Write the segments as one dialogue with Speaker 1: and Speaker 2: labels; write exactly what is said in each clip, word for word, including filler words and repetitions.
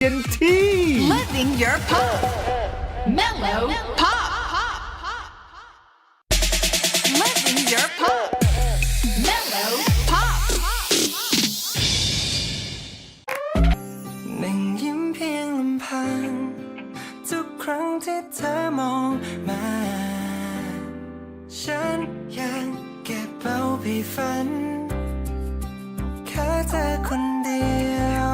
Speaker 1: เต็มที่
Speaker 2: Living your pop Mellow Pop Living your pop Mellow Pop
Speaker 3: นั่งยิ้มเพียงลำพังทุกครั้งที่เธอมองมาฉันยังเก็บเอาไปฝันแค่เธอคนเดียว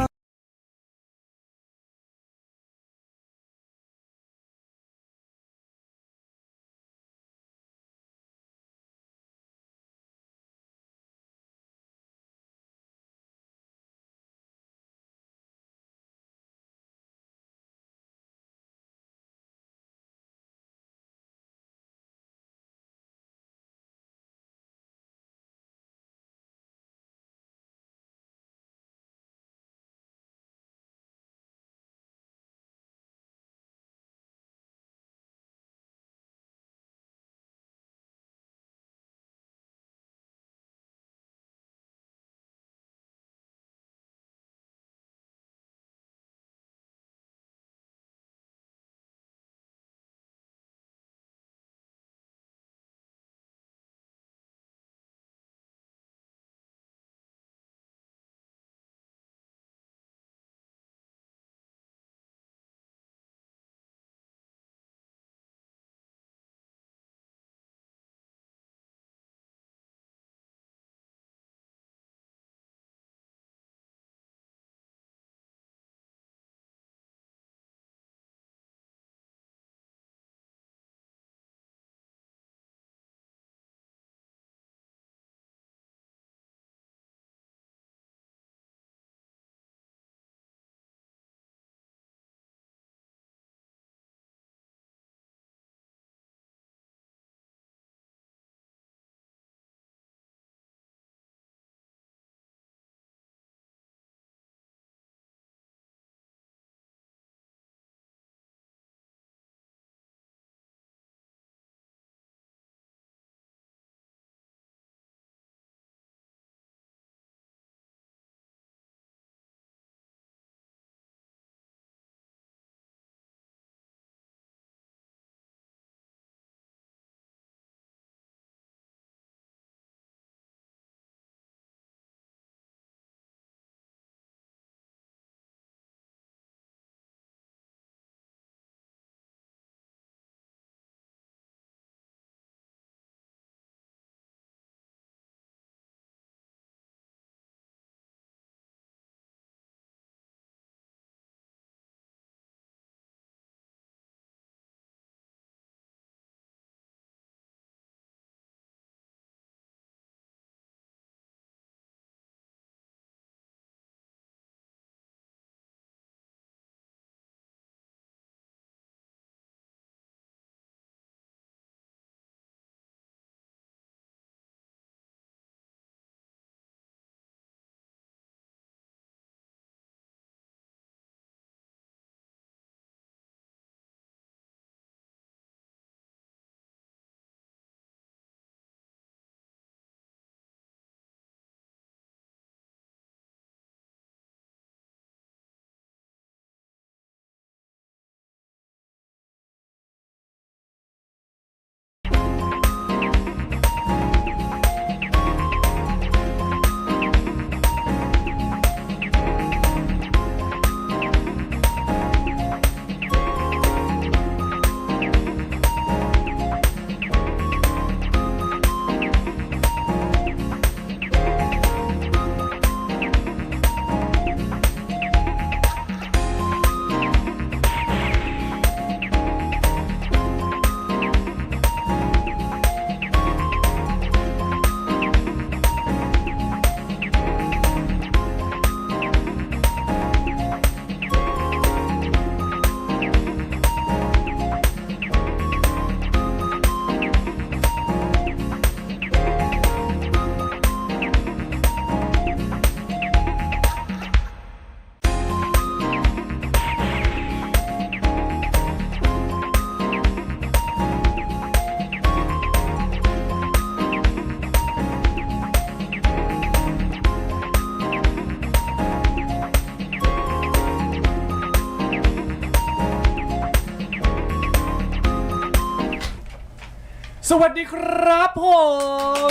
Speaker 1: สวัสดีครับผม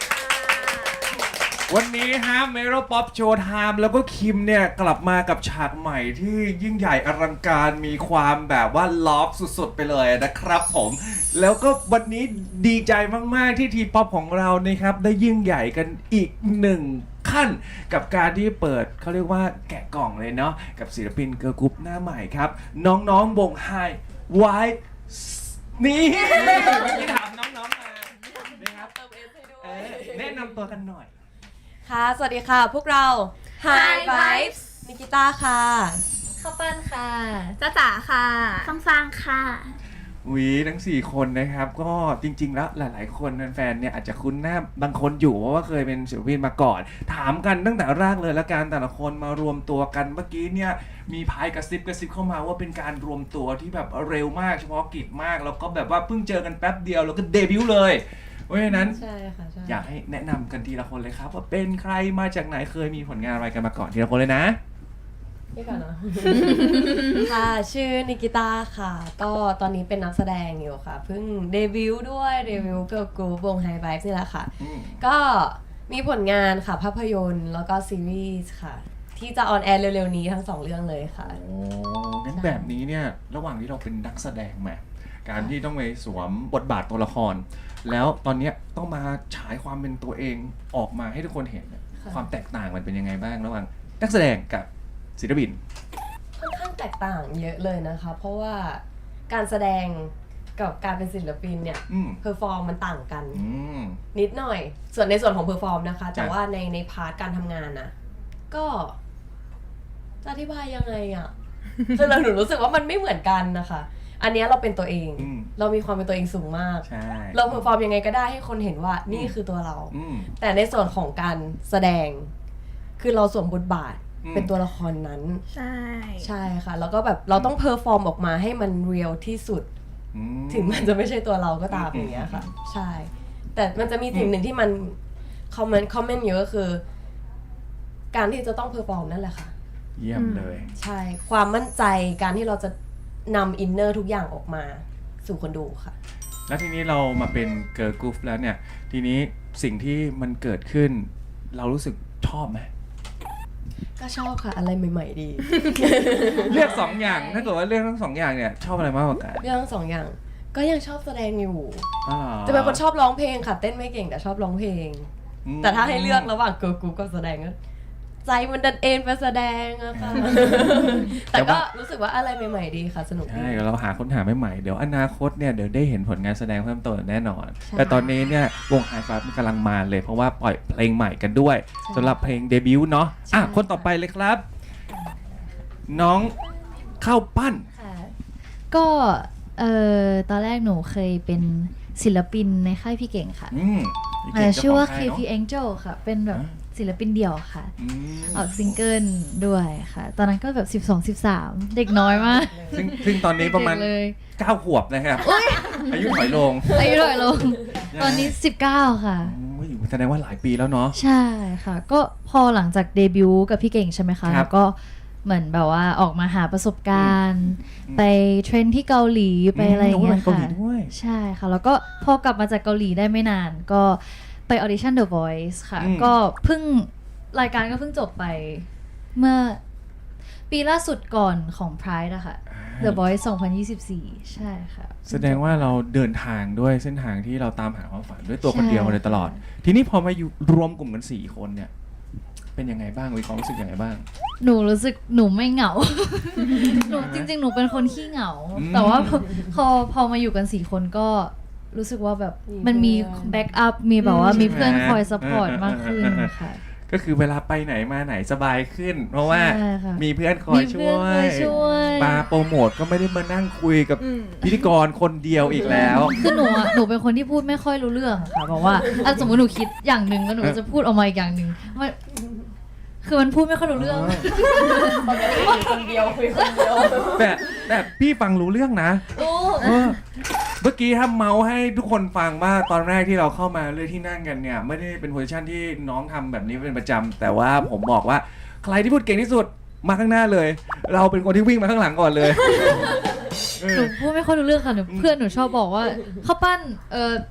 Speaker 1: วันนี้ฮะเมโลป๊อปโชว์ไทม์แล้วก็คิมเนี่ยกลับมากับฉากใหม่ที่ยิ่งใหญ่อลังการมีความแบบว่าลอฟสุดๆไปเลยนะครับผมแล้วก็วันนี้ดีใจมากๆที่ทีป๊อปของเรานะครับได้ยิ่งใหญ่กันอีกหนึ่งขั้นกับการที่เปิดเขาเรียกว่าแกะกล่องเลยเนาะกับศิลปินเกิร์ลกรุ๊ปหน้าใหม่ครับน้องๆวงไฮไวนี่เมื่อกี้ถามน้องๆมานะครับเออแนะนำตัวกันหน่อย
Speaker 4: ค่ะ สวัสดีค่ะ พวกเรา Hi Vibes นิกิต้าค่ะ
Speaker 5: ข้าวปั้นค่ะ
Speaker 2: จ้าจ๋าค่ะ
Speaker 5: ฟังฟังค่ะ
Speaker 1: วีทั้งสี่คนนะครับก็จริงๆแล้วหลายๆคนแฟนๆเนี่ยอาจจะคุ้นหน้าบางคนอยู่เพราะว่าเคยเป็นศิลปินมาก่อน ถามกันตั้งแต่แรกเลยละกันแต่ละคนมารวมตัวกันเมื่อกี้เนี่ยมีพายกระซิบกระซิบเข้ามาว่าเป็นการรวมตัวที่แบบเร็วมากเฉพาะกิจมากแล้วก็แบบว่าเพิ่งเจอกันแป๊บเดียวแล้วก็เดบิวต์เลยเพราะฉะนั้น
Speaker 4: ใช่ค่ะใช่
Speaker 1: อยากให้แนะนำกันทีละคนเลยครับว่าเป็นใครมาจากไหนเคยมีผลงานอะไรกันมาก่อนทีละคนเลยนะ
Speaker 4: นี่ก่อนเนาะ ค่ะ ชื่อนิกิต้าค่ะ ก็ตอนนี้เป็นนักแสดงอยู่ค่ะ เพิ่งเดบิวต์ด้วยเดบิวต์เกิร์ลกรุ๊ปวง Hi Vibes นี่แหละค่ะ
Speaker 1: อืม
Speaker 4: ก็มีผลงานค่ะ ภาพยนตร์แล้วก็ซีรีส์ค่ะ ที่จะออนแอร์เร็วๆนี้ทั้งสองเรื่องเลยค่ะ
Speaker 1: โอ้งั้นแบบนี้เนี่ยระหว่างที่เราเป็นนักแสดงแหมการที่ต้องไปสวมบทบาทตัวละคร แล้วตอนเนี้ยต้องมาฉายความเป็นตัวเองออกมาให้ทุกคนเห็นเนี่ย
Speaker 4: ค่ะ
Speaker 1: ความแตกต่างมันเป็นยังไงบ้างระหว่างนักแสดงกับศิลปิน
Speaker 4: ค่อนข้างแตกต่างเยอะเลยนะคะ เพราะว่าการแสดงกับการเป็นศิลปินเนี่ย
Speaker 1: อืม
Speaker 4: เพอร์ฟอร์มมันต่างกัน
Speaker 1: อืม
Speaker 4: นิดหน่อย ส่วนในส่วนของเพอร์ฟอร์มนะคะ แต่
Speaker 1: ครับ
Speaker 4: ว่าในในพาร์ทการทำงานนะก็จะอธิบายยังไงอะ่ะ คือเราหนูรู้สึกว่ามันไม่เหมือนกันนะคะ อันเนี้ยเราเป็นตัวเอง
Speaker 1: อืม
Speaker 4: เรามีความเป็นตัวเองสูงมาก
Speaker 1: ใช่
Speaker 4: เราเพอร์ฟอร์มยังไงก็ได้ให้คนเห็นว่านี่คือตัวเรา
Speaker 1: อืม
Speaker 4: แต่ในส่วนของการแสดง คือเราสวมบทบาท
Speaker 1: อืม
Speaker 4: เป็นตัวละครนั้น
Speaker 2: ใช่
Speaker 4: ใช่ค่ะ แล้วก็แบบเราต้องเพอร์ฟอร์มออกมาให้มันเรียลที่สุด
Speaker 1: อืม
Speaker 4: ถึงมันจะไม่ใช่ตัวเราก็ตาม
Speaker 1: อืม
Speaker 4: อย่างเงี้ยค่ะ ใช่ แต่มันจะมีสิ่งหนึ่งที่มันคอมเมนต์คอมเมนต์เยอะก็คือ การที่จะต้องเพอร์ฟอร์มนั่นแหละค่ะ
Speaker 1: เยี่ยมเลย
Speaker 4: ใช่ ความมั่นใจการที่เราจะนำอินเนอร์ทุกอย่างออกมาสู่คนดูค่ะ
Speaker 1: แล้วทีนี้เรามาเป็นเกิร์ลกรุ๊ปแล้วเนี่ย ทีนี้สิ่งที่มันเกิดขึ้น เรารู้สึกชอบไหม
Speaker 4: ก็ชอบค่ะ อะไรใหม่ ๆ ดี
Speaker 1: เลือกสองอย่างถ้าเกิดว่าเลือกทั้งสองอย่างเนี่ยชอบอะไรมากกว่ากัน
Speaker 4: เรื่องสองอย่าง ก็ยังชอบแสดงอยู่
Speaker 1: อ๋อหรอ
Speaker 4: จะเป็นคนชอบร้องเพลงค่ะ เต้นไม่เก่งแต่ชอบร้องเพลง
Speaker 1: อืม
Speaker 4: แต่ถ้าให้เลือกระหว่างเกิร์ลกรุ๊ปกับแสดงก็ใจมันดันเอ็นไปแสดงอะค่ะ แต่ก็รู้สึกว่าอะไรใหม่ๆดีค่ะ สนุกดี
Speaker 1: ใช่เราหาค้นหาใหม่ๆเดี๋ยวอนาคตเนี่ยเดี๋ยวได้เห็นผลงานแสดงเพิ่มเติมแน่นอน
Speaker 4: ใช่
Speaker 1: แต่ตอนนี้เนี่ยวงไฮไฟว์มันกำลังมาเลยเพราะว่าปล่อยเพลงใหม่กันด้วยสำหรับเพลงเดบิวต์เนาะอ่ะคนต่อไปเลยครับ น้องข้าวปั้น
Speaker 5: ค่ะ ก็เอ่อตอนแรกหนูเคยเป็นศิลปินในค่ายพี่เก่งค่ะ
Speaker 1: อืม
Speaker 5: เอ่อชื่อว่า
Speaker 1: เจ้
Speaker 5: เค
Speaker 1: ขง
Speaker 5: พี
Speaker 1: ค่ยนอะ
Speaker 5: Angel ค่ะ เป็นแบบ
Speaker 1: อ่า
Speaker 5: ศิลปินเดี่ยวค่ะ
Speaker 1: อืม
Speaker 5: ออกซิงเกิลด้วยค่ะ ตอนนั้นก็แบบสิบสอง สิบสาม เด็กน้อยมาก
Speaker 1: ซึ่งซึ่งตอนนี้ประมาณ
Speaker 5: เด็กเลย
Speaker 1: เก้าขวบนะครับอายุถอยลง
Speaker 5: อายุเท่าไหร่ลง ตอนนี้สิบเก้าค่ะ
Speaker 1: โอ้ยแสดงว่าหลายปีแล้วเนาะ
Speaker 5: ใช่ค่ะ ก็พอหลังจากเดบิวต์กับพี่เก่งใช่ไหมคะ
Speaker 1: ครับ
Speaker 5: แล้วก็เหมือนแบบว่าออกมาหาประสบการณ์
Speaker 1: อืม
Speaker 5: ไปเทรนที่เกาหลีไปอะไรอย่างเงี้ย
Speaker 1: โอ้ยไปเกาหลี
Speaker 5: ค่ะ
Speaker 1: ด้วย
Speaker 5: ใช่ค่ะ แล้วก็พอกลับมาจากเกาหลีได้ไม่นาน ก็ไปออดิชั่น The Voice ค่ะ
Speaker 1: อืม
Speaker 5: ก็เพิ่งรายการก็เพิ่งจบไปเมื่อปีล่าสุดก่อนของ Pride อะค่ะ The Voice สองพันยี่สิบสี่ ใช่ค่ะ
Speaker 1: แสดงว่าเราเดินทางด้วยเส้นทางที่เราตามหาความฝันด้วยตัวคนเดียว
Speaker 5: ใช่
Speaker 1: มาโดยตลอด ทีนี้พอมาอยู่รวมกลุ่มกันสี่คนเนี่ย เป็นยังไงบ้างมีความรู้สึกยังไงบ้าง
Speaker 5: หนูรู้สึกหนูไม่เหงา หนูจริงๆ หนูเป็นคนขี้เหงา
Speaker 1: อืม
Speaker 5: แต่ว่าพอพอพอมาอยู่กันสี่คนก็รู้สึกว่าแบบ
Speaker 4: มี
Speaker 5: มันมี
Speaker 4: เพื่อน
Speaker 5: แบ็กอัพ มีแบบว่า
Speaker 1: อืม
Speaker 5: มีเพื่อน
Speaker 1: ใช่ไหม
Speaker 5: คอยซัพพอร์ตมากขึ้น
Speaker 1: เออเออเออ
Speaker 5: ค่ะ
Speaker 1: ก็คือเวลาไปไหนมาไหนสบายขึ้น เพราะว่า
Speaker 5: ใช่ค่ะ
Speaker 1: มีเพื่อนคอย
Speaker 5: มี
Speaker 1: ช่
Speaker 5: เพื่อน
Speaker 1: ว
Speaker 5: คอย ยช่วย
Speaker 1: ปาโปรโมทก็ไม่ได้มานั่งคุยกับพิธีกรคนเดียวอีกแล้ว
Speaker 5: คือหนูอะหนูเป็นคนที่พูดไม่ค่อยรู้เรื่องค่ะบอกว่าอ่ะสมมติหนูคิดอย่างหนึ่งแล้วหนูก็จะพูดออกมาอีกอย่างหนึ่งมันคือมันพูดไม่ค่อยรู้เรื่อง
Speaker 4: ปกติอยู่คนเดียวคุยคนเดียว
Speaker 1: แต่แต่พี่ฟังรู้เรื่องนะ
Speaker 5: โอ้
Speaker 1: เออเมื่อกี้ถ้าเมาส์ให้ทุกคนฟังว่าตอนแรกที่เราเข้ามาเลยที่นั่งกันเนี่ย ไม่ได้เป็นโพสิชันที่น้องทำแบบนี้เป็นประจำแต่ว่าผมบอกว่าใครที่พูดเก่งที่สุดมาข้างหน้าเลย เราเป็นคนที่วิ่งมาข้างหลังก่อนเลยเอ
Speaker 5: หนู
Speaker 1: อ
Speaker 5: พูดไม่ค่อยรู้เรื่องค่ะหนูเพื่อนหนูชอบบอกว่าข้าวปั้นเออ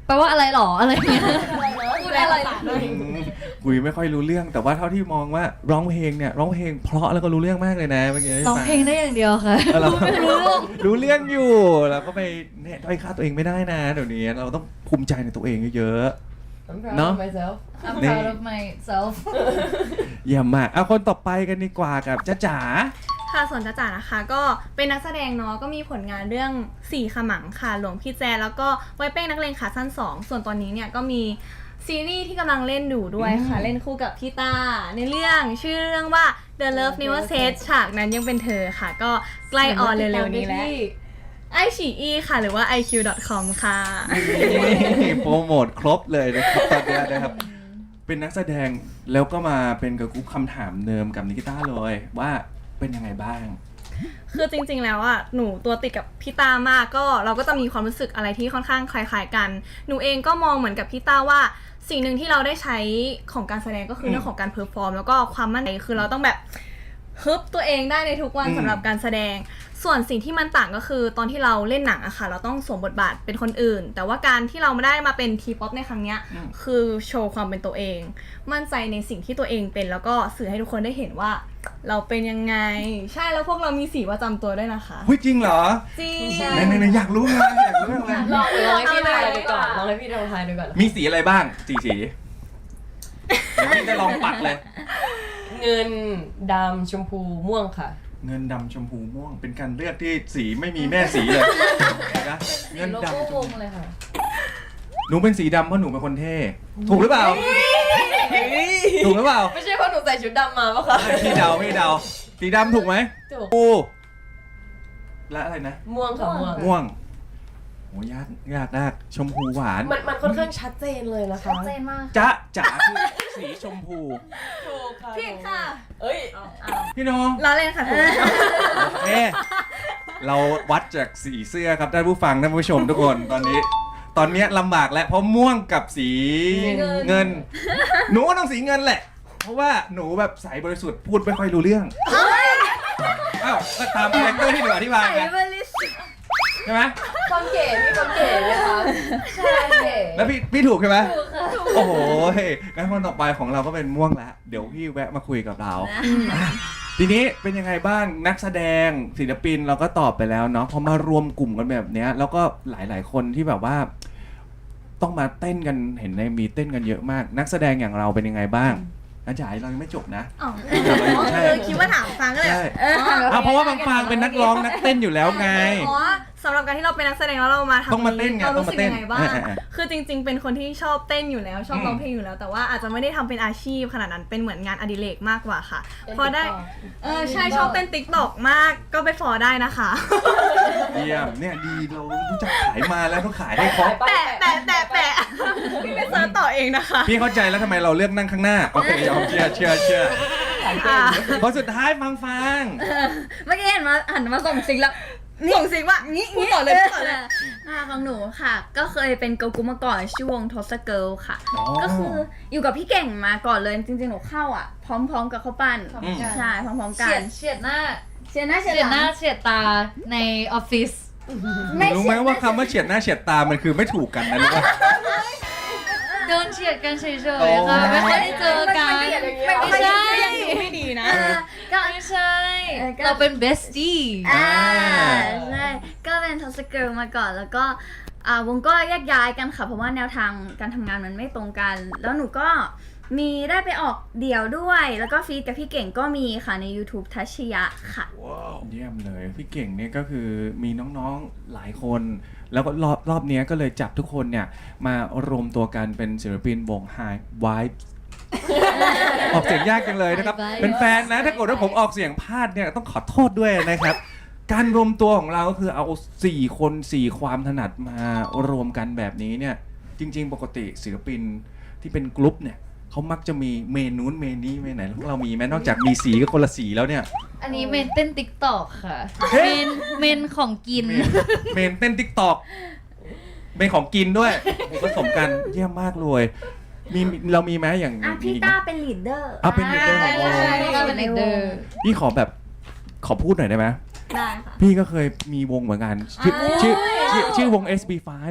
Speaker 5: แปลว่าอะไรหรออะไรเงี้ย
Speaker 4: พูดอะไรล่ะ
Speaker 1: คุยไม่ค่อยรู้เรื่องแต่ว่าเท่าที่มองว่าร้องเพลงเนี่ยร้องเพลงเพราะแล้วก็รู้เรื่องมากเลยนะเมื่อกี้
Speaker 5: ร้องเพลงได้อย่างเดียวค่ะ
Speaker 1: เออเรา
Speaker 5: รู้เรื่อง
Speaker 1: รู้เรื่องอยู่แล้วก็ไปเนี่ยด้อยค่าตัวเองไม่ได้นะเดี๋ยวนี้เราต้องภูมิใจในตัวเองเยอะ
Speaker 4: I'm proud
Speaker 1: เนอะ
Speaker 4: of myself
Speaker 5: I'm
Speaker 1: นี่
Speaker 5: proud of myself
Speaker 1: ๆเยี่ยมมากเอาคนต่อไปกันดีกว่ากับจ๊ะจ๋า
Speaker 6: ค่ะส่วนจ้าจ๋านะคะก็เป็นนักแสดงเนาะก็มีผลงานเรื่องสี่ขมังค่ะหลวงพี่แจแล้วก็ไว้เป้งนักเลงขาสั้นสองส่วนตอนนี้เนี่ยก็มีซีรีส์ที่กำลังเล่นอยู่ด้วยค่ะ เล่นคู่กับพี่ต้าในเรื่องชื่อเรื่องว่า The Love Never Said ฉากนั้นยังเป็นเธอค่ะ ก็ใกล้ออนเร็วๆนี้แล้วไอฉีอีค่ะหรือว่า ไอ คิว ดอท คอม ค่ะ
Speaker 1: นี่โปรโมทครบเลยนะครับตอนนี้นะครับ เป็นนักแสดงแล้วก็มาเป็นกับกรุ๊ปคำถามเดิมกับนิกิต้าเลยว่าเป็นยังไงบ้าง
Speaker 6: คือจริงๆ แล้วอ่ะ หนูตัวติดกับพี่ต้ามากก็เราก็จะมีความรู้สึกอะไรที่ค่อนข้างคล้ายๆกัน หนูเองก็มองเหมือนกับพี่ต้าว่าสิ่งหนึ่งที่เราได้ใช้ของการแสดงก็คือเรื่องของการเพอร์ฟอร์มแล้วก็ความมั่นใจคือเราต้องแบบฮึบตัวเองได้ในทุกวัน
Speaker 1: อืม
Speaker 6: สำหรับการแสดง ส่วนสิ่งที่มันต่างก็คือตอนที่เราเล่นหนังอะค่ะ เราต้องสวมบทบาทเป็นคนอื่น แต่ว่าการที่เราไม่ได้มาเป็นทีป๊อปในครั้งเนี้ยคือโชว์ความเป็นตัวเอง มั่นใจในสิ่งที่ตัวเองเป็นแล้วก็สื่อให้ทุกคนได้เห็นว่า เราเป็นยังไง ใช่แล้วพวกเรามีสีประจำตัวด้วยนะคะ
Speaker 1: เฮ้ยจริงเหรอ
Speaker 6: จริง
Speaker 1: ไหนๆๆอยากรู้เลยอยากรู้เลย
Speaker 4: ลองลองให้พี่ทายดูก่อนลองให้พี่ลองทายดูก่อน
Speaker 1: มีสีอะไรบ้างสีสีเดี๋ยวพี่จะลองปัดเลย
Speaker 4: เงินดำชมพูม่วงค่ะ
Speaker 1: เงินดำชมพูม่วงเป็นการเลือกที่สีไม่มีแม่สีเลยนะเงิน
Speaker 5: โล
Speaker 1: ดำ
Speaker 5: โก้
Speaker 1: ช
Speaker 5: ว
Speaker 1: ม
Speaker 5: ง
Speaker 1: พู
Speaker 5: เลยค่ะ
Speaker 1: หนูเป็นสีดำเพราะหนูเป็นคนเท่ถูกหรือเปล่าถูกหรือเปล่า
Speaker 4: ไม่ใช่เพราะหนูใส่ชุดดำมาปะคะ
Speaker 1: พี่เดาพี่เดาสีดำถูกไหม
Speaker 4: ถูก
Speaker 1: ปูและอะไรนะ
Speaker 4: ม่วงค่ะม่วง
Speaker 1: ม่วงโหยากยากมากชมพูหวาน
Speaker 4: มันมันค่อนข้างชัดเจนเลยนะคะ
Speaker 5: ชัดเจนมาก
Speaker 1: จ๊ะจ๋าคือสีชมพู
Speaker 4: ถูกค่ะ
Speaker 6: ผิดค่ะ
Speaker 4: เอ้ย
Speaker 1: พี่น้อง
Speaker 6: ล้อเล่นค่ะถูก
Speaker 1: โอเคเราวัดจากสีเสื้อครับท่านผู้ฟังท่านผู้ชมทุกคนตอนนี้ ตอนเนี้ยลำบากแล้วเพราะม่วงกับสีเงิน หนูก็ต้องสีเงินแหละ เพราะว่าหนูแบบใสบริสุทธิ์พูดไม่ค่อยรู้เรื่องอ้าวก็ตามคาแรคเตอร์ที่หนูอธิบายไงใช่ไหม
Speaker 4: ความเก๋มีความเก๋ไหมคะใช่เก๋
Speaker 1: แล้วพี่พี่ถูกใช่ไหมโอ้โหงั้นคนต่อไปของเราก็เป็นม่วงแล้วเดี๋ยวพี่แวะมาคุยกับเรา ทีนี้เป็นยังไงบ้างนักแสดงศิลปินเราก็ตอบไปแล้วเนาะพอมารวมกลุ่มกันแบบเนี้ยแล้วก็หลายๆคนที่แบบว่า ต้องมาเต้นกันเห็นในมีเต้นกันเยอะมาก นักแสดงอย่างเราเป็นยังไงบ้างอาจารย์เรายังไม่จบนะ
Speaker 6: อ๋อ
Speaker 1: ใช่
Speaker 6: เออคิดว่าถามฟังก็เลย
Speaker 1: ใช่
Speaker 6: เออ
Speaker 1: อ้าวเพราะว่าบางฟางเป็นนักร้องนักเต้นอยู่แล้วไง
Speaker 6: อ๋อสำหรับการที่เราเป็นนักแสดงแล้วเรามาทำ
Speaker 1: ต้องมาเต้นไง
Speaker 6: เรารู้สึก
Speaker 1: ต้องมาเต้น
Speaker 6: ยังไงบ้าง
Speaker 1: เออเออ
Speaker 6: คือจริง ๆ เป็นคนที่ชอบเต้นอยู่แล้ว ชอบ
Speaker 1: อืม
Speaker 6: ร้องเพลงอยู่แล้ว แต่ว่าอาจจะไม่ได้ทำเป็นอาชีพขนาดนั้นเป็นเหมือนงานอดิเรกมากกว่าค่ะ
Speaker 4: เป็น
Speaker 6: พอได้
Speaker 4: TikTok
Speaker 6: เออใช่ชอบเต้นติ๊กตอกมากก็ไปฟอได้นะคะ
Speaker 1: เยี่ยมเนี่ยดีเรารู้จักขายมาแล้วต้องขายให้ครบ
Speaker 6: แปะแปะแปะแปะพี่ไปเซิร์ชต่อเองนะคะ
Speaker 1: พี่เข้าใจแล้วทำไมเราเลือกนั่งข้างหน้าโอเคยอมเชื่อเชื่อเชื่อ
Speaker 6: อ่า
Speaker 1: คนสุดท้ายฟังฟัง
Speaker 7: เมื่อกี้เห็นมาหันมาส่งซิงแล้ว
Speaker 6: ส่งสิว่างี้งี้ต่อเลยต่อเลย
Speaker 7: อ่าของหนูค่ะ ก็เคยเป็นเกิร์ลกรุ๊ปมาก่อนชื่อวงทอสเกิลค่ะ
Speaker 1: อ๋อ
Speaker 7: ก็คืออยู่กับพี่เก่งมาก่อนเลยจริงๆหนูเข้าอ่ะ พร้อมๆกับเขาวปั้น
Speaker 5: พร้อมกัน
Speaker 7: ใช่พร้อมๆกั
Speaker 5: เฉีย
Speaker 7: น
Speaker 5: ดเฉียดหน้า
Speaker 7: เชียร์หน้าเชีย
Speaker 5: เฉีย
Speaker 7: ร์
Speaker 5: ด
Speaker 7: ห
Speaker 5: ห
Speaker 7: ลั
Speaker 5: น้าง เฉียดตาในออฟฟิศ
Speaker 1: รู้ไหมว่าคำว่าเฉียดหน้าเฉียดตามันคือไม่ถูกกันนะรู้ป่ะ
Speaker 5: เดินเฉียดกันเฉย
Speaker 1: โอ้
Speaker 5: ๆค่ะไม่ค่อยได้เจอกัน
Speaker 6: ไม่
Speaker 5: ไม่ใช่
Speaker 6: ไม่ดีนะ
Speaker 7: ก็
Speaker 5: ไม่ใช่
Speaker 7: เออก็
Speaker 5: เราเป็น bestie
Speaker 7: อ่าใช่ก็เป็นทอสเกิลมาก่อนแล้วก็อ่าวงก็แยกย้ายกันค่ะ เพราะว่าแนวทางการทำงานมันไม่ตรงกัน แล้วหนูก็มีได้ไปออกเดี่ยวด้วย แล้วก็ฟีดกับพี่เก่งก็มีค่ะใน YouTube ทัชยะค่ะ
Speaker 1: เยี่ยมเลยพี่เก่งเนี่ยก็คือมีน้องๆหลายคน แล้วก็รอบรอบเนี้ยก็เลยจับทุกคนเนี่ยมารวมตัวกันเป็นศิลปินวง High Vibes ออกเสียงยากจังเลยนะครับ
Speaker 5: High Vibes
Speaker 1: เป็นแฟนนะถ้าเกิดว่าผมออกเสียงพลาดเนี่ยต้องขอโทษด้วยนะครับ การรวมตัวของเราก็คือเอาสี่คนสี่ความถนัดมารวมกันแบบนี้เนี่ยจริงๆปกติศิลปินที่เป็นกลุ่มเนี่ยเขามักจะมีเมนนู้นเมนนี้เมนไหนแล้วพวกเรามีไหมนอกจากมีสีก็คนละสีแล้วเนี่ย
Speaker 5: อันนี้เมนเต้นติ๊กตอกค่ะ
Speaker 1: เฮ้
Speaker 5: เม
Speaker 1: ย
Speaker 5: นเมนของกิน
Speaker 1: เมนเมนเต้นติ๊กตอกเมนของกินด้วยผสมกันเยี่ยมมากเลยมีเรามีไหมอย่าง
Speaker 7: อ่ะ
Speaker 1: มี
Speaker 7: พี่
Speaker 1: ไหม
Speaker 7: ต้าเป็นลีดเดอร์
Speaker 1: อ่ะเป็น leader
Speaker 7: ใช่
Speaker 1: อ๋อ
Speaker 7: ใช่
Speaker 5: ก็เป็น leader
Speaker 1: พี่ขอแบบขอพูดหน่อยได้ไหม
Speaker 6: ได้ค่ะ
Speaker 1: พี่ก็เคยมีวงเหมือนกันชื่อชื่อชื่อชื่อวง เอส บี ไฟว์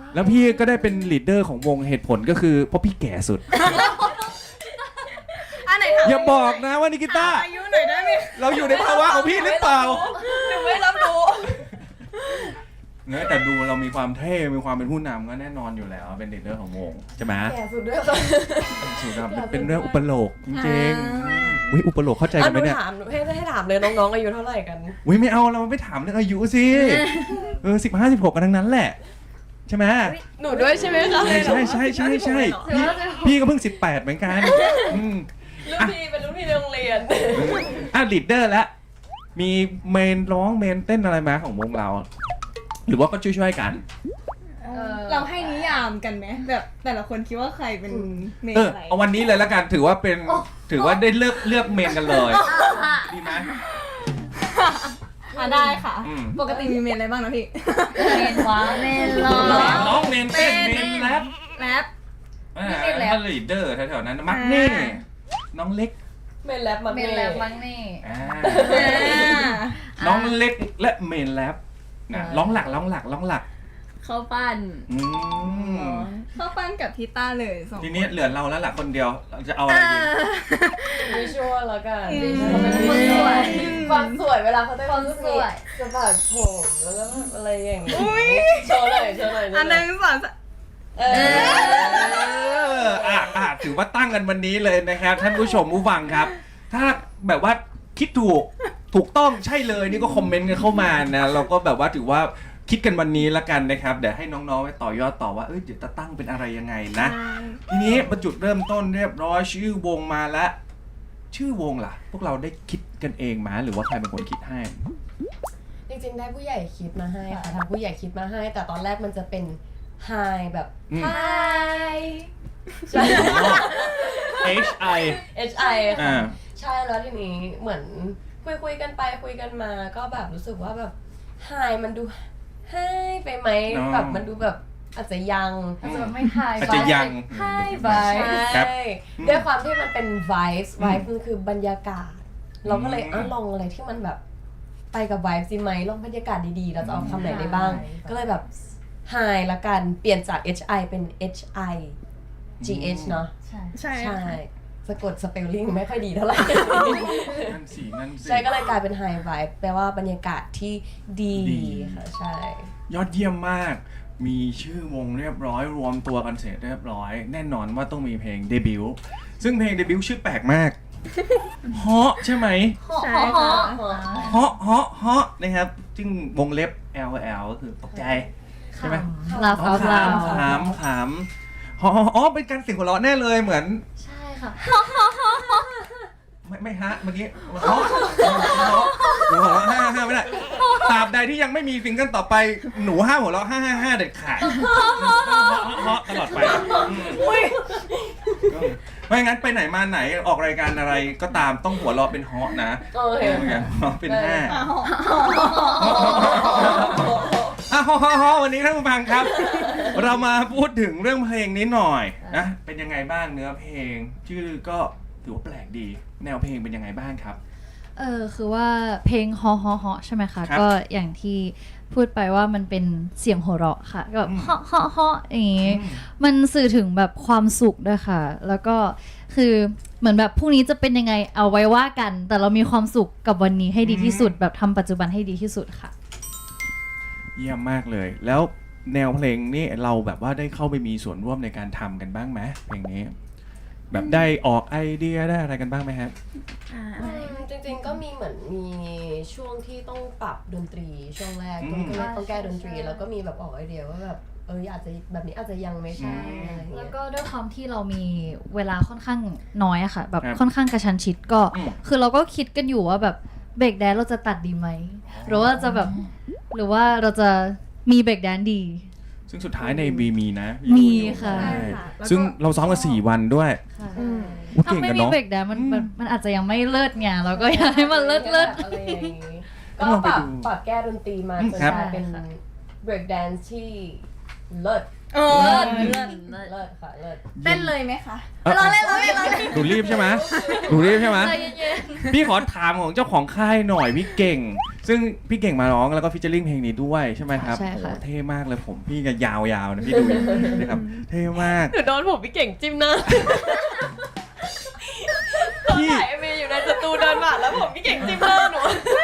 Speaker 1: แล้วพี่ก็ได้เป็นลีดเดอร์ของวงเหตุผลก็คือเพราะพี่แก่สุด
Speaker 6: อันไหนถาม
Speaker 1: อย่าบอกนะว่านิกิต้า
Speaker 6: อายุหน่อยได้ไหม
Speaker 1: เราอยู่ในภาวะของพี่หรือเปล่า
Speaker 4: หนูไม่รับรู้
Speaker 1: เนอะแต่ดูเรามีความเท่ มีความเป็นผู้นำก็แน่นอนอยู่แล้ว เป็นลีดเดอร์ของวงใช่ไหม
Speaker 4: แก่สุดด้วยค่ะ
Speaker 1: สุดครับเป็นเรื่องอุปโลกจริงๆวิอุปโลกเข้าใจ
Speaker 4: อ่ะ
Speaker 1: กัน
Speaker 4: ห
Speaker 1: ไหม
Speaker 4: นู
Speaker 1: เนี่ย
Speaker 4: ถามหนูให้ให้ถามเลยน้องๆอายุเท่าไหร่กัน
Speaker 1: วิไม่เอาเราไม่ถามเรื่องอายุสิเออสิบห้าสิบหกกันทั้งนั้นแหละ ใช่ไหม
Speaker 4: หนูด้วยใช่ไหมคะ
Speaker 1: ใช่ใช่ใช่ใช่ใช่พี่พี่ก็เพิ่งสิบแปดเหมือนกันอืม
Speaker 4: รุ่นพี่เป็นรุ่นพี่ในโรงเรียน
Speaker 1: อ่ะลีดเดอร์แล้วมีเมนร้องเมนเต้นอะไรมาของวงเรา หรือว่าก็ช่วยๆกัน
Speaker 6: เราให้นิยามกันไหมแบบแต่ละคนคิดว่าใครเป็นเมน
Speaker 1: เออ
Speaker 6: อะไร
Speaker 1: เอาวันนี้เลยแล้วกันถือว่าเป็นถือว่าได้เลือกเลือกเมนกันเลยดีไหม
Speaker 6: อ่ะได้ค่ะ
Speaker 1: อืม
Speaker 6: ปกติมีเมนอะไรบ้างนะพี่
Speaker 5: เมนว้าเมนร้อง
Speaker 1: ร้องเมนเต้นเมนแรป
Speaker 6: แรป
Speaker 1: อ่า
Speaker 5: เมนแรป
Speaker 1: ถ้าลีดเดอร์แถวๆนั้นมักเน่น้องเล็ก
Speaker 4: เมนแรปมัน
Speaker 5: เมนแลบมั้งนี่
Speaker 1: อ่า
Speaker 6: อ่า
Speaker 1: น้องเล็กและเมนแรปนะร้องหลักร้องหลักร้องหลัก
Speaker 7: เขาปั้น
Speaker 1: อืม
Speaker 6: เข้าปั้นกับพีต้าเลยสอง
Speaker 1: ทีนี้เหลือเราแล้วล่ะคนเดียวเราจะเอาอะไรดี
Speaker 4: วิชวลแล้วกัน
Speaker 6: อืม
Speaker 4: เขาเป็นคนสวยความสวยเวลาเขาเต้น
Speaker 5: ความสวย
Speaker 4: จะแบบผมแล้วก็อะไรอย่างงี้โชว์หน่อยโชว์หน่อย
Speaker 6: อันหนึ่งสองสาม
Speaker 4: เอ
Speaker 1: เอ
Speaker 4: อ
Speaker 1: ออ่ะอ่ะถือว่าตั้งกันวันนี้เลยนะครับ ท่านผู้ชมผู้ฟังครับ ถ้าแบบว่าคิดถูกถูกต้องใช่เลยนี่ก็คอมเมนต์กันเข้ามานะเราก็แบบว่าถือว่าคิดกันวันนี้ละกันนะครับเดี๋ยวให้น้องๆไปต่อยอดต่อว่าเอ้ยเดี๋ยวจะตั้งเป็นอะไรยังไงนะ ทีนี้ประจุดเริ่มต้นเรียบร้อยชื่อวงมาแล้ว ชื่อวงล่ะ พวกเราได้คิดกันเองมาหรือว่าใครเป็นคนคิดให้
Speaker 4: จริงๆได้ผู้ใหญ่คิดมาให้ค่ะทางผู้ใหญ่คิดมาให้ แต่ตอนแรกมันจะเป็น Hi แบบ
Speaker 1: อืม
Speaker 4: Hi ใช่
Speaker 1: H I
Speaker 4: H I
Speaker 1: อ่า
Speaker 4: ค่ะใช่แล้วทีนี้เหมือนคุยคุยๆกันไปคุยกันมาก็แบบรู้สึกว่าแบบ Hi มันดู Hi ไปไหม
Speaker 1: อ๋อ
Speaker 4: แบบมันดูแบบอาจจะยัง
Speaker 5: อาจจะแบบไม่ทาย
Speaker 1: อาจจะยัง
Speaker 5: Hi
Speaker 4: ใช่
Speaker 1: ครับ
Speaker 4: ด้วยความที่มันเป็น vibes
Speaker 1: อืม
Speaker 4: vibes มันคือบรรยากาศ เราก็เลย
Speaker 1: อืม
Speaker 4: เอ่ะลองอะไรที่มันแบบไปกับ vibes ดีไหมลองบรรยากาศดีๆ เราจะเอาคำไหนได้บ้าง ก็เลยแบบ hi ละกันเปลี่ยนจาก H I เป็น H I G H เนาะ
Speaker 5: ใช่
Speaker 6: ใช่
Speaker 4: ใช่
Speaker 6: ค่ะ
Speaker 4: สะกดสเปลลิ่งไม่ค่อยดีเท่าไหร่
Speaker 1: นั่นสินั่นสิ
Speaker 4: ใช่ก็เลยกลายเป็น high vibe แปลว่าบรรยากาศที่ดี
Speaker 1: ดี
Speaker 4: ค่ะใช่
Speaker 1: ยอดเยี่ยมมาก มีชื่อวงเรียบร้อยรวมตัวกันเสร็จเรียบร้อย แน่นอนว่าต้องมีเพลงเดบิวต์ซึ่งเพลงเดบิวต์ชื่อแปลกมากเฮาะใช่ไหม
Speaker 6: ใช่ค่ะ
Speaker 1: เฮาะเฮาะเฮาะนะครับ ซึ่งวงเล็บ L L ก็คือตกใจ ใช่ไหม
Speaker 5: ลาฟา
Speaker 1: ข
Speaker 5: ลา
Speaker 1: ำขำขำฮออ๋อเป็นการเสียงหัวเราะแน่เลยเหมือน
Speaker 5: ใช่ค่ะ
Speaker 1: ไม่ไม่ฮะเมื่อกี้ฮะหนูหัวเราะห้าห้าไม่ได้ตราบใดที่ยังไม่มีซิงเกิลต่อไปหนูห้าหัวเราะห้าห้าห้าเด็ดขาดฮะตลอดไปอืมไม่งั้นไปไหนมาไหนออกรายการอะไรก็ตามต้องหัวเราะเป็นฮอนะ
Speaker 4: โอเค
Speaker 1: อย่างหัวเราะเป็นห้า
Speaker 6: อ้าว
Speaker 1: อ่ะฮอฮอฮอวันนี้ท่านผู้ฟังครับ เรามาพูดถึงเรื่องเพลงนี้หน่อยนะเป็นยังไงบ้างเนื้อเพลง ชื่อก็ถือว่าแปลกดี แนวเพลงเป็นยังไงบ้างครับ
Speaker 5: เออคือว่าเพลงฮอฮอฮอใช่ไหมคะ
Speaker 1: ครับ
Speaker 5: ก็อย่างที่พูดไปว่ามันเป็นเสียงหัวเราะค่ะก็แบบ
Speaker 1: อืม
Speaker 5: ฮอฮอฮออย่างงี้
Speaker 1: อืม
Speaker 5: มันสื่อถึงแบบความสุขด้วยค่ะ แล้วก็คือเหมือนแบบพรุ่งนี้จะเป็นยังไงเอาไว้ว่ากัน แต่เรามีความสุขกับวันนี้ให้ดีที่สุด แบบทำปัจจุบันให้ดีที่สุดค่ะ
Speaker 1: เยี่ยมมากเลย แล้วแนวเพลงนี่เราแบบว่าได้เข้าไปมีส่วนร่วมในการทำกันบ้างไหมเพลงนี้ แบบได้ออกไอเดียได้อะไรกันบ้างไหมครับ
Speaker 7: อ่า
Speaker 4: จริงๆก็มีเหมือนมีช่วงที่ต้องปรับดนตรีช่วงแรก
Speaker 1: อื
Speaker 4: ก็
Speaker 1: ม
Speaker 4: คือต้องแก้ดนตรี
Speaker 5: ใช่
Speaker 4: แล้วก็มีแบบออกไอเดียว่าแบบเอออาจจะแบบนี้อาจจะยังไม่ใช่
Speaker 1: อืม
Speaker 4: อะไรเงี้
Speaker 5: แล้
Speaker 4: ยว
Speaker 5: ก็ด้วยความที่เรามีเวลาค่อนข้างน้อยอะค่ะ แบบ
Speaker 1: ครับ
Speaker 5: ค่อนข้างกระชันชิดก็
Speaker 1: อืม
Speaker 5: คือเราก็คิดกันอยู่ว่าแบบเบรกแดนเราจะตัดดีไหมหรือว่าจะแบบหรือว่าเราจะมีเบรกแดนดี
Speaker 1: ซึ่งสุดท้ายในวีมีนะ
Speaker 5: มีค่ะ
Speaker 1: ใช่
Speaker 6: ค่ะแล้วก็
Speaker 1: ซึ่งเราซ้อมกันสี่วันด้วย
Speaker 5: ค่ะ
Speaker 6: อืม
Speaker 1: อุ๊ย
Speaker 5: ถ้า
Speaker 1: เก่ง
Speaker 5: ไม่
Speaker 1: กัน
Speaker 5: มี
Speaker 1: เนาะ
Speaker 5: เบรกแดนมัน
Speaker 1: อืม
Speaker 5: มันมันอาจจะยังไม่เลิศไงเราก็อยากให้มันเลิศเลิศ
Speaker 4: อะไรอย่างงี้
Speaker 1: ต้
Speaker 4: ก็
Speaker 1: องลอง
Speaker 4: ป
Speaker 1: ไป
Speaker 4: รับ
Speaker 1: ดู
Speaker 4: ปรับแก้ดนตรีมา
Speaker 1: อืม
Speaker 4: จน
Speaker 1: ครับ
Speaker 4: กลายเป็น break dance ที่เลิศ
Speaker 6: เออ
Speaker 4: เลิศ
Speaker 7: เลิศเลิศ
Speaker 4: เลิศค่ะเลิศ
Speaker 6: เต้นเลยไหมคะ
Speaker 1: เราเล่นเราเล่นเราเล่นหนูรีบใช่ไหมหนูรีบใช่ไหม
Speaker 5: ใจเย็น
Speaker 1: พี่ขอถามของเจ้าของค่ายหน่อยพี่เก่งซึ่งพี่เก่งมาร้องแล้วก็ฟิชเชอร์ลิงเพลงนี้ด้วยใช่ไหมครับ
Speaker 5: ใช่ค่ะ
Speaker 1: โอ้เท่มากเลยผมพี่ก็ยาวๆนะพี่ดูนะครับเท่มาก
Speaker 4: หนูโดนผมพี่เก่งจิ้มหน้า
Speaker 1: พี่
Speaker 4: ถ่ายเอเมย์อยู่ในสตูเดินผ่านแล้วผมพี่เก่งจิ้มหน้าหนู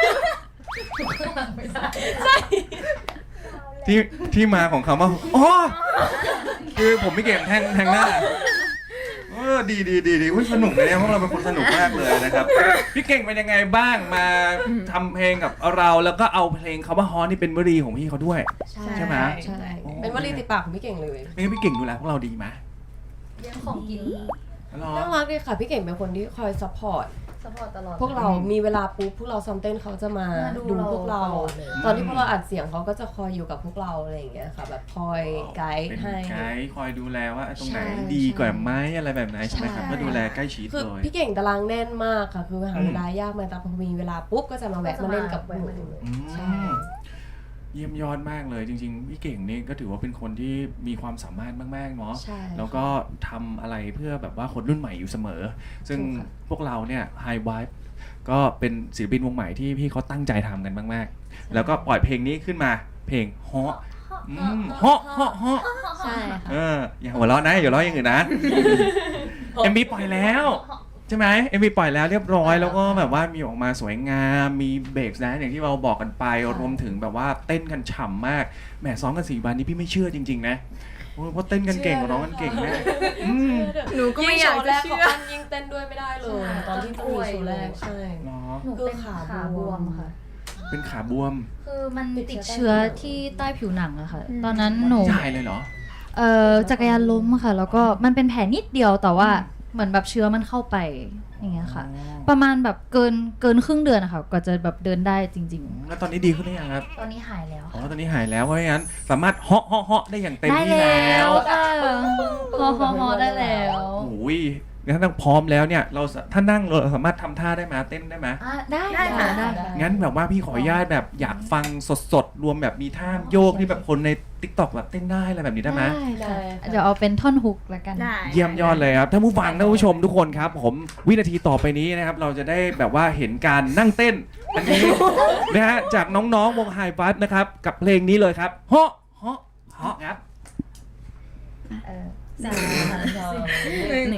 Speaker 4: ใช่
Speaker 1: ที่ที่มาของคำว่าอ๋อคือผมพี่เก่งแทงแทงหน้าเออดีดีดีดีอุ๊ยสนุกเลยเนี่ยพวกเราเป็นคนสนุกมากเลยนะครับพี่เก่งเป็นยังไงบ้างมาทำเพลงกับเราแล้วก็เอาเพลงคำว่าฮอนี่เป็นวลีของพี่เขาด้วย ใช่ไหม
Speaker 4: ใช่ เป็นวลีติดปากของพี่เก่งเลย
Speaker 1: ไม่งั้นพี่เก่งดูแลพวกเราดีไหม
Speaker 5: เรื่องของกิน
Speaker 1: หรอ
Speaker 4: น่ารักดีค่ะ พี่เก่งเป็นคนที่คอยซัพพอร์ต
Speaker 5: สปอร์ตตลอด
Speaker 4: พวกเรามีเวลาปุ๊บพวกเราซ้อมเต้นเขาจะมา
Speaker 5: มาดู
Speaker 4: ดู
Speaker 5: เรา
Speaker 4: พวกเรา
Speaker 5: ตลอดเลย
Speaker 4: ตอนที่พวกเราอัดเสียงเขาก็จะคอยอยู่กับพวกเราอะไรอย่างเงี้ยค่ะ แบบคอยไกด์
Speaker 1: เป็น
Speaker 4: ให้
Speaker 1: ไกด์คอยดูแลว่าตรงไหน
Speaker 4: ใช่
Speaker 1: ดีกว่าไหมอะไรแบบไหนใช่ไหมครับ
Speaker 4: ใช่
Speaker 1: ก็ดูแลใกล้ชิด
Speaker 4: คือ
Speaker 1: เลย
Speaker 4: พี่เก่งตารางแน่นมากค่ะ คือหา
Speaker 1: อืม
Speaker 4: เวลายากมากแต่พอมีเวลาปุ๊บก็จะมาแวะมาเล่นกับหนู
Speaker 1: อืม
Speaker 4: ใช่
Speaker 1: เยี่ยมยอดมากเลยจริงๆพี่เก่งนี่ก็ถือว่าเป็นคนที่มีความสามารถมากๆเนาะ
Speaker 4: ใช่
Speaker 1: แล้วก็ทำอะไรเพื่อแบบว่าคนรุ่นใหม่อยู่เสมอ ซึ่ง
Speaker 4: ถูกค่ะ
Speaker 1: พวกเราเนี่ย High Vibe ก็เป็นศิลปินวงใหม่ที่พี่เขาตั้งใจทำกันมากๆ แล้วก็ปล่อยเพลงนี้ขึ้นมาเพลงเฮาะอืมเฮาะเฮาะเฮาะ
Speaker 5: ใช่ค่ะ
Speaker 1: เอออย่าหัวเราะนะอย่าหัวเราะอย่างอื่นนะ เอ็มวีปล่อยแล้วใช่ไหมเอ็มวีปล่อยแล้วเรียบร้อยแล้วก็แบบว่ามีออกมาสวยงามมีเบรกนะอย่างที่เราบอกกันไปรวมถึงแบบว่าเต้นกันฉ่ำมากแหมซ้อมกันสี่วันนี้พี่ไม่เชื่อจริงๆนะโอ้ยเพราะเต้นกันเก่งร้องกันเก่งมากอืม
Speaker 6: หนูก็ไม่อยากจะเชื่อ
Speaker 4: ยิ่งโชว์แรกเขาปั้นยิ่งเต้นด้วยไม่ได้เลย ตอนที่จะมีโชว์แรกใช่
Speaker 1: เนาะ
Speaker 5: หนูเป็นขาบวมค่ะ
Speaker 1: เป็นขาบวม
Speaker 5: คือมัน
Speaker 4: ติ
Speaker 5: ติ
Speaker 4: ด
Speaker 5: ด
Speaker 4: เชื้
Speaker 5: เชื้
Speaker 4: อ
Speaker 5: อ
Speaker 4: ใต้ผิว
Speaker 5: ที่ใต้ผิวหนังอะค่ะ ตอนนั้นหนู
Speaker 1: ใหญ่เลยเหรอ
Speaker 5: เอ่อจักรยานล้มอะค่ะ แล้วก็มันเป็นแผลนิดเดียวแต่ว่าเหมือนแบบเชื้อมันเข้าไปอย่างเงี้ยค่ะ
Speaker 1: อ๋อ
Speaker 5: ประมาณแบบเกินเกินครึ่งเดือนอะค่ะกว่าจะแบบเดินได้จริง
Speaker 1: แล้วตอนนี้ดีขึ้นหรือยังครับ
Speaker 5: ๆ ตอนนี้หายแล้ว
Speaker 1: อ๋อ
Speaker 5: ค่ะ
Speaker 1: ตอนนี้หายแล้วเพราะงั้นสามารถเหาะเหาะเหาะได้อย่างเต็ม
Speaker 5: ได้
Speaker 1: ที่
Speaker 5: แล้
Speaker 1: แล้ว ว
Speaker 5: ค่ะฮอฮอฮอได้แล้ว
Speaker 1: โอ้ยงั้นถ้าพร้อมแล้วเนี่ยเราสถ้านั่งเราสามารถทำท่าได้ไหมเต้นได้ไหม
Speaker 5: อ่ะได้
Speaker 6: ได้ค่ะ
Speaker 5: ได้ค่ะ
Speaker 1: งั้นแบบว่าพี่ขออนุญาตแบบอยากฟังสดๆ รวมแบบมีท่าโยกที่แบบคนใน ติ๊กต็อก แบบเต้นได้อะไรแบบนี้ได้ไหม
Speaker 5: ได้ค่ะ
Speaker 4: ได้ค่ะ
Speaker 5: เดี๋ยวเอาเป็นท่อนฮุกละกัน
Speaker 6: ได้
Speaker 1: เยี่ยมยอดเลยครับท่านผู้ฟังท่านผู้ชมทุกคนครับ ผมวินาทีต่อไปนี้นะครับ เราจะได้แบบว่าเห็นการนั่งเต้นอันนี้ นะฮะจากน้องๆวง High Five นะครับกับเพลงนี้เลยครับเฮาะเฮาะเฮาะครับ
Speaker 5: เออ
Speaker 6: หนึ่ง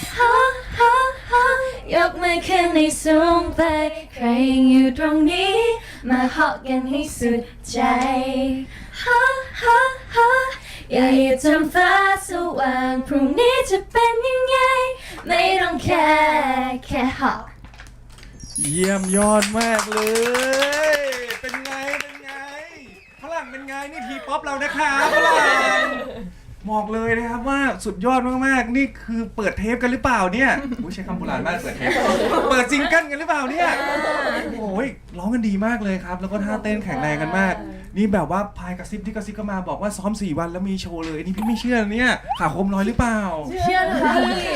Speaker 5: ยกมือขึ้นในสูงไปใครยังอยู่ตรงนี้ มาเหาะกันให้สุดใจฮะฮะฮะอย่าให้จำฟ้าสว่างพรุ่งนี้จะเป็นยังไง ไม่ต้องแค่แค่เหาะ
Speaker 1: เยี่ยมยอดมากเลย เป็นไง เป็นไงฝรั่งเป็นไง นี่ทีป๊อปเรานะครับฝรั่งบอกเลยนะครับว่าสุดยอดมากๆ นี่คือเปิดเทปกันหรือเปล่าเนี่ยอุ๊ยใช้คำโบราณมากเปิดเทป เปิดซิงเกิลกันหรือเปล่าเนี่ย โอ้ยร้องกันดีมากเลยครับ แล้วก็ท่าเต้นแข็งแรงกันมาก นี่แบบว่าพายกระซิบที่กระซิบก็มาบอกว่าซ้อมสี่วันแล้วมีโชว์เลยนี่พี่ไม่เชื่อนะเนี่ยขาคมลอยหรือเปล่า
Speaker 4: เชื่อเลย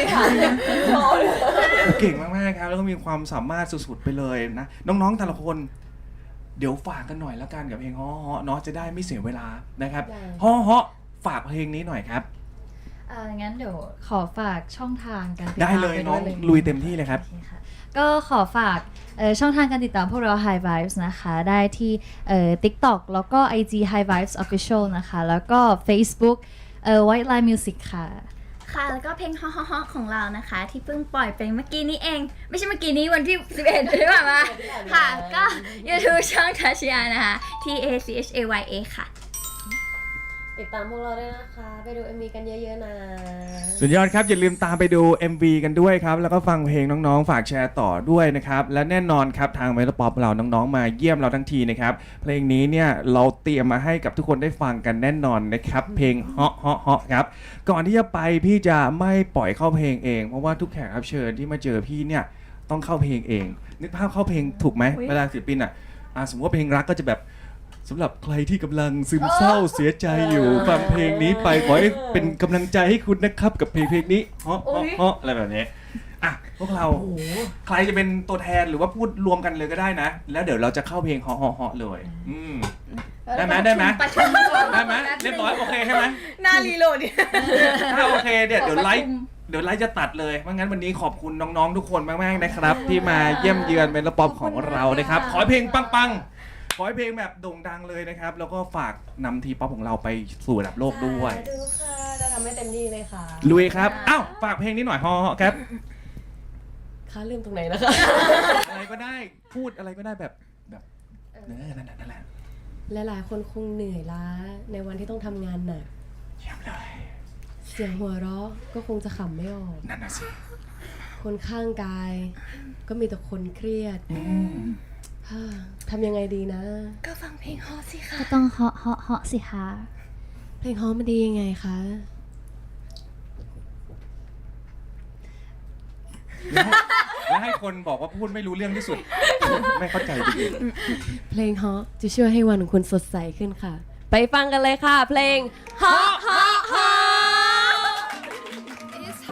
Speaker 4: พี่
Speaker 1: เก่งมากๆครับแล้วก็มีความสามารถสุดๆไปเลยนะน้องๆแต่ละคน เดี๋ยวฝากกันหน่อยแล้วกันกับเพลงฮ้อฮ้อเนาะจะได้ไม่เสียเวลานะครับฮ้อฮ้อฝากเพลงนี้หน่อยครับ
Speaker 5: อ่างั้นเดี๋ยวขอฝากช่องทางการติดตาม
Speaker 1: ได้เลย
Speaker 5: ป
Speaker 1: น้อง
Speaker 5: ด้ว
Speaker 1: ลุยเต็มที่เลยครับ
Speaker 5: โอเคค่ะก็ขอฝากเอ่อช่องทางการติดตามพวกเรา High Vibes นะคะ ได้ที่เอ่อ TikTok แล้วก็ ไอ จี High Vibes Official นะคะ แล้วก็ Facebook เอ่อ White Line Music ค่ะ
Speaker 7: ค่ะแล้วก็เพลงฮอฮอฮอของเรานะคะ ที่เพิ่งปล่อยไปเมื่อกี้นี้เอง ไม่ใช่เมื่อกี้นี้วันที่ สิบเอ็ดใช่ไหมมาค่ะ ก็ YouTube ช่องทัชยานะคะ T A C H A Y A ค่ะ
Speaker 4: ติดตามพวกเราด้วยนะคะ ไปดู เอ็ม วี กันเยอะๆนะ
Speaker 1: สุดยอดครับ อย่าลืมตามไปดู เอ็ม วี กันด้วยครับ แล้วก็ฟังเพลงน้องๆ ฝากแชร์ต่อด้วยนะครับ และแน่นอนครับทางเมโลป๊อปเราน้องๆ มาเยี่ยมเราทั้งทีนะครับ เพลงนี้เนี่ยเราเตรียมมาให้กับทุกคนได้ฟังกันแน่นอนนะครับ เพลงเฮาะเฮาะเฮาะครับ ก่อนที่จะไปพี่จะไม่ปล่อยเข้าเพลงเอง เพราะว่าทุกแขกรับเชิญที่มาเจอพี่เนี่ยต้องเข้าเพลงเอง นึกภาพเข้าเพลงถูกไหมเวลาศิลปินอ่ะอ่ะสมมติว่าเพลงรักก็จะแบบสำหรับใครที่กำลังซึมเศร้าเสียใจอยู่ฟังเพลงนี้ไปขอให้เป็นกำลังใจให้คุณนะครับกับเพลงเพลงนี้เฮาะเฮาะเฮาะอะไรแบบนี้อ่ะพวกเราใครจะเป็นตัวแทนหรือว่าพูดรวมกันเลยก็ได้นะ แล้วเดี๋ยวเราจะเข้าเพลงเฮาะเฮาะเฮาะเลยอืมได้ไหมได้ไหม
Speaker 7: ประชุมก่อน
Speaker 1: ได้ไหมเรียบร้อยโอเคใช่ไหม
Speaker 6: หน้ารีโหลดเนี่ย
Speaker 1: ถ้าโอเคเดี๋ยวเดี๋ยวไลฟ์เดี๋ยวไลฟ์จะตัดเลยเพราะงั้นวันนี้ขอบคุณน้องๆทุกคนมากๆนะครับ ที่มาเยี่ยมเยือนเป็นระปอบของเรานะครับ ขอให้เพลงปังขอให้เพลงแบบโด่งดังเลยนะครับ แล้วก็ฝากนำทีป๊อปของเราไปสู่ระดับโลกด้วย
Speaker 4: สาธุค่ะจะทำให้เต็มที่เลยค่ะ
Speaker 1: ลุยครับอ้าวฝากเพลงนี้หน่อยฮอครับ
Speaker 4: ค่ะลืมตรงไหนนะคะ
Speaker 1: อะไรก็ได้พูดอะไรก็ได้แบบแบบเนื้อนั่นแหละนั่นแหละ
Speaker 4: หลายๆคนคงเหนื่อยล้าในวันที่ต้องทำงานหนัก
Speaker 1: เยี่ยมเลย
Speaker 4: เสียงหัวเราะก็คงจะขำไม่ออก
Speaker 1: นั่นน่ะสิ
Speaker 4: คนข้างกาย ก็มีแต่คนเครียด
Speaker 1: อืม
Speaker 4: ฮ่าทำยังไงดีนะ
Speaker 6: ก็ฟังเพลงฮอสิค่ะ
Speaker 5: ก็ต้องเหาะเหาะเหาะสิคะ
Speaker 4: เพลงฮอมมันดียังไงคะ
Speaker 1: แล้วให้คนบอกว่าพูดไม่รู้เรื่องที่สุด ไม่เข้าใจจริง
Speaker 4: เพลงฮอจะช่วยให้วันของคุณสดใสขึ้นค่ะ ไปฟังกันเลยค่ะ เพลงฮอฮอ